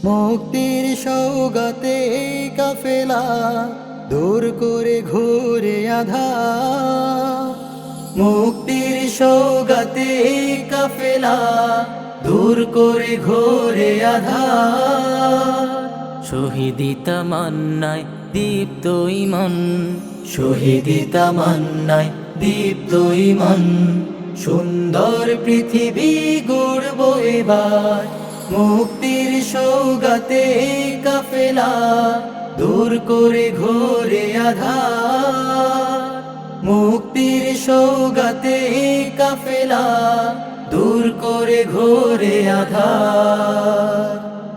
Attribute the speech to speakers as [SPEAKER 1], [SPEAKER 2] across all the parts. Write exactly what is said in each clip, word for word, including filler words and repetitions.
[SPEAKER 1] মুক্তির সৌগাতে কাফেলা দূর করে ঘোরে আধার। মুক্তির সৌগাতে কাফেলা দূর করে ঘোরে আধার।
[SPEAKER 2] শহীদি তামান্নায় দীপ্ত ইমান,
[SPEAKER 1] শহীদি তামান্নায় দীপ্ত ইমান, সুন্দর পৃথিবী গড়ব এবার। মুক্তির সৌগাতে কাফেলা দূর করে ঘোরে আধার। মুক্তির সৌগাতে কাফেলা দূর করে ঘোরে আধার।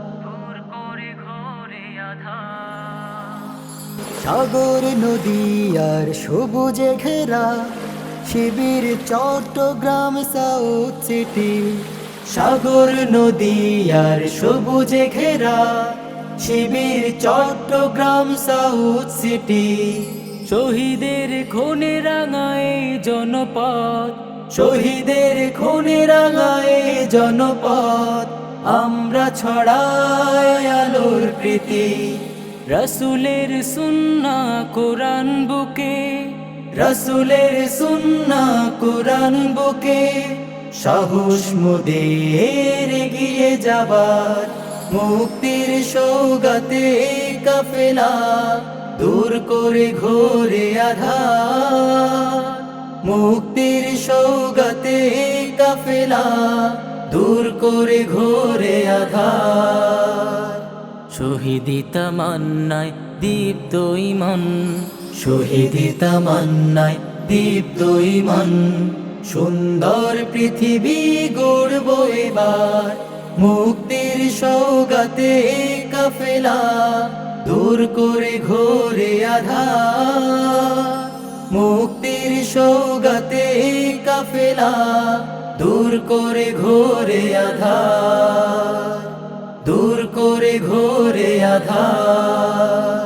[SPEAKER 1] সাগর নদী আর সবুজে ঘেরা শিবির চট্টগ্রাম সাউথ সিটি। সাগর নদী আর সবুজে ঘেরা শিবির চট্টগ্রাম সাউথ সিটি।
[SPEAKER 2] শহীদের খুনে রাঙায় জনপদ,
[SPEAKER 1] শহীদের খুনে রাঙায় জনপদ, আমরা ছড়াই আলোর প্রীতি।
[SPEAKER 2] রাসূলের সুন্নাহ কোরআন বুকে,
[SPEAKER 1] রাসূলের সুন্নাহ কোরআন বুকে, সাহস মোদের এগিয়ে যাবার। মুক্তির সৌগাতে কাফেলা দূর করে ঘোরে আধার। মুক্তির সৌগাতে কাফেলা দূর করে ঘোরে আধার।
[SPEAKER 2] শহীদি তামান্নায় দীপ্ত ইমান,
[SPEAKER 1] শহীদি তামান্নায় দীপ্ত ইমান, সুন্দর পৃথিবী গড়ব এবার। মুক্তির সৌগাতে কাফেলা দূর করে ঘোরে আধার। মুক্তির সৌগাতে কাফেলা দূর করে ঘোরে আধার, দূর করে ঘোরে আধার।